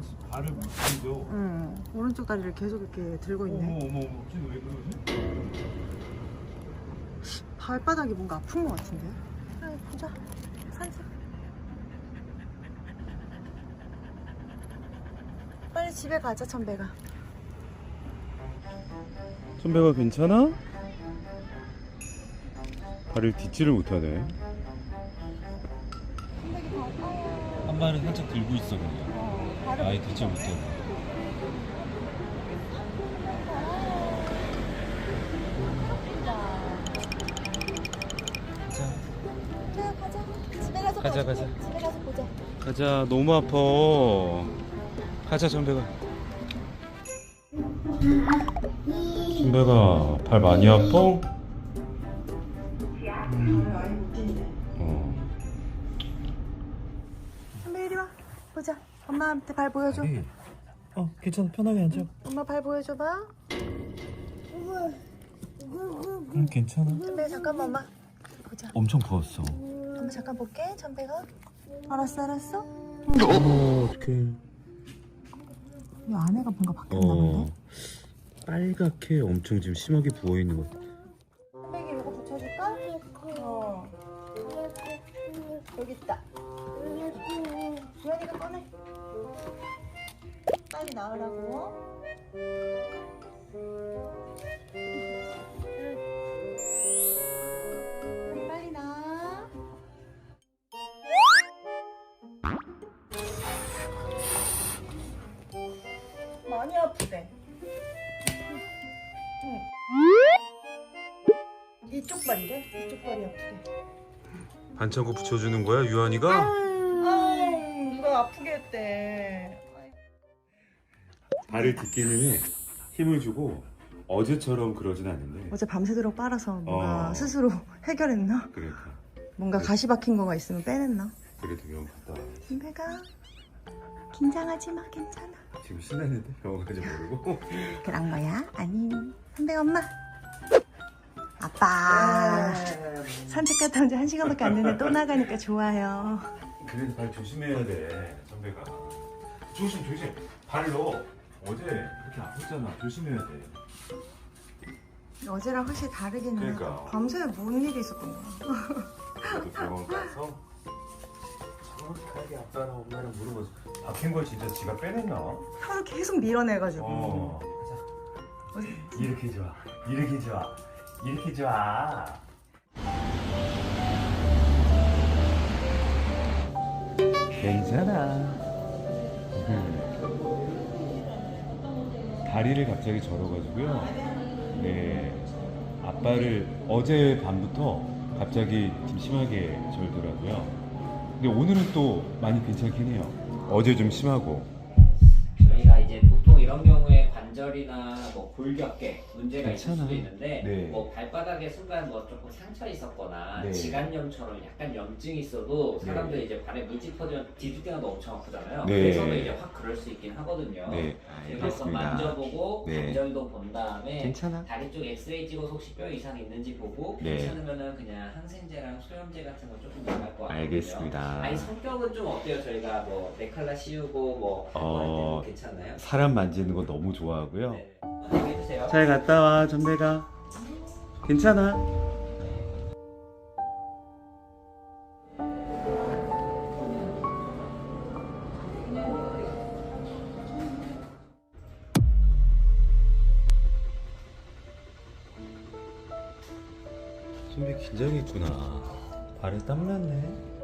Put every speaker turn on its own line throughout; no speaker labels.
발을 못 들죠.
응. 오른쪽 다리를 계속 이렇게 들고 있네.
어머, 갑자기 왜 그러지?
발바닥이 뭔가 아픈 것 같은데. 아이, 보자. 산책. 빨리 집에 가자, 천배가.
천배가 괜찮아? 발을 딛지를 못하네. 한 발은 살짝 들고 있어 그냥. 아예 딛지 못하고. 가자.
집에 가서 보자.
가자. 너무 아파. 가자 천배가. 천배가 발 많이 아파?
천배 이리 와. 보자. 엄마한테 발 보여줘.
괜찮아. 편하게 앉아.
엄마 발 보여줘봐.
괜찮아.
천배 잠깐만 엄마. 보자.
엄청 부었어.
엄마 잠깐 볼게. 천배가. 알았어.
어떡해.
이 안에가 뭔가 바뀌었나 본데?
빨갛게 엄청 지금 심하게 부어있는 것 같아.
천배기 이거 붙여줄까? 여기 있다. 주연이가 꺼내. 빨리 나으라고. 빨리 나. 많이 아프대. 이쪽 발이래? 이쪽 발이 아프대.
반창고 붙여주는 거야 유한이가?
누가 아프게 했대.
발을 딛기는 해. 힘을 주고 어제처럼 그러진 않는데.
어제 밤새도록 빨아서 뭔가 스스로 해결했나?
그러니까
뭔가 가시 박힌 거가 있으면 빼냈나?
그래도 병원 갔다 와.
선배가 긴장하지 마, 괜찮아.
지금 신났는데 병원 가지 모르고.
그런 거야? 아니, 선배 엄마. 아빠. 산책 갔다 온 지 1시간밖에 안 됐는데 또 나가니까 좋아요.
그래도 발 조심해야 돼 선배가. 조심. 발로 어제 그렇게 아팠잖아. 조심해야 돼.
어제랑 확실히 다르긴 해.
그러니까.
밤새 뭔 일이 있었던 거야.
그래도 병원 가서 정확하게 아빠랑 엄마랑 물어봐서 박힌 걸 진짜 지가 빼냈나?
하루 계속 밀어내가지고.
가자. 이렇게 좋아. 괜찮아. 다리를 갑자기 절어가지고요. 네, 아빠를 어제 밤부터 갑자기 좀 심하게 절더라고요. 근데 오늘은 또 많이 괜찮긴 해요. 어제 좀 심하고.
저희가 이제 보통 이런 경우에 관절이나 뭐 골격계 문제가 있을
괜찮아.
수도 있는데
네.
뭐 발바닥에 순간 뭐 조금 상처 있었거나
네.
지간염처럼 약간 염증이 있어도 사람들이
네.
이제 발에 물집 터지면 뒤질 때마다 엄청 아프잖아요.
네.
그래서도 이제 확 그럴 수 있긴 하거든요.
네,
그래서 한번 만져보고
네.
관절도 본 다음에
괜찮아.
다리 쪽 엑스레이 찍어서 혹시 뼈 이상 있는지 보고
네.
괜찮으면은 그냥 항생제랑 소염제 같은 거 조금 나갈 것 같거든요.
알겠습니다.
아니 성격은 좀 어때요? 저희가 뭐 네칼라 씌우고 뭐 할 때도 괜찮나요?
사람 만지는 거 너무 좋아하고요.
네. 해주세요.
잘 갔다 와, 전배가. 괜찮아. 선배 긴장했구나. 발에 땀 났네.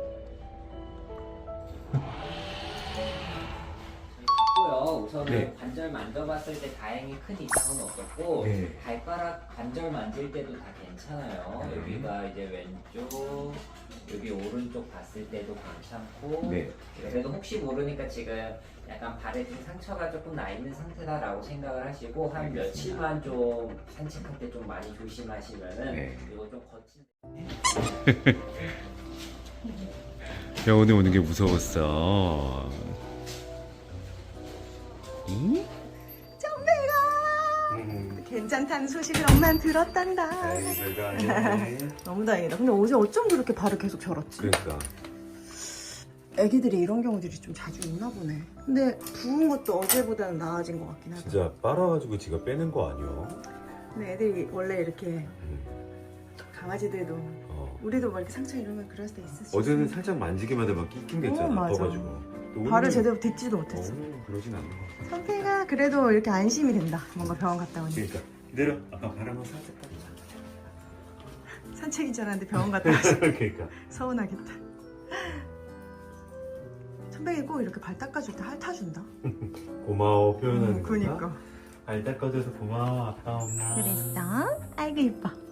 고요. 우선은
네.
관절 만져봤을 때 다행히 큰 이상은 없었고
네.
발가락 관절 만질 때도 다 괜찮아요.
네.
여기가 이제 왼쪽, 여기 오른쪽 봤을 때도 괜찮고
네.
그래도 혹시 모르니까 지금 약간 발에 좀 상처가 조금 나 있는 상태다라고 생각을 하시고 한
알겠습니다.
며칠만 좀 산책할 때 좀 많이 조심하시면은
네.
이거 좀 거친.
병원에 오는 게 무서웠어. 응?
정배가 괜찮다는 소식을 엄마는 들었단다.
별거 아니야.
너무 다행이다. 근데 어제 어쩜 그렇게 발을 계속 절었지?
그러니까
애기들이 이런 경우들이 좀 자주 있나 보네. 근데 부은 것도 어제보다는 나아진 것 같긴 하다.
진짜 빨아가지고 지가 빼는 거 아니야?
근데 애들이 원래 이렇게 강아지들도 우리도 뭐 이렇게 상처 이러면 그럴 때 있을 수 있어.
어제는 살짝 만지기만 해도 막 낑낑댔잖아.
맞아.
아파가지고. 또
발을
오늘은-
제대로 딛지도 못했어.
오늘은 그러진 않는 거 같아.
선태가 그래도 이렇게 안심이 된다. 뭔가 병원 갔다 오니.
그러니까 기다려. 아까 발 한번 살짝 따자.
산책인 줄 알았는데 병원 갔다 와서
그러니까.
서운하겠다. 천백이 꼭 이렇게 발 닦아줄 때 핥아준다.
고마워 표현하는 거야.
그니까.
발 닦아줘서 고마워 아빠 엄마.
그랬어? 아이고 이뻐.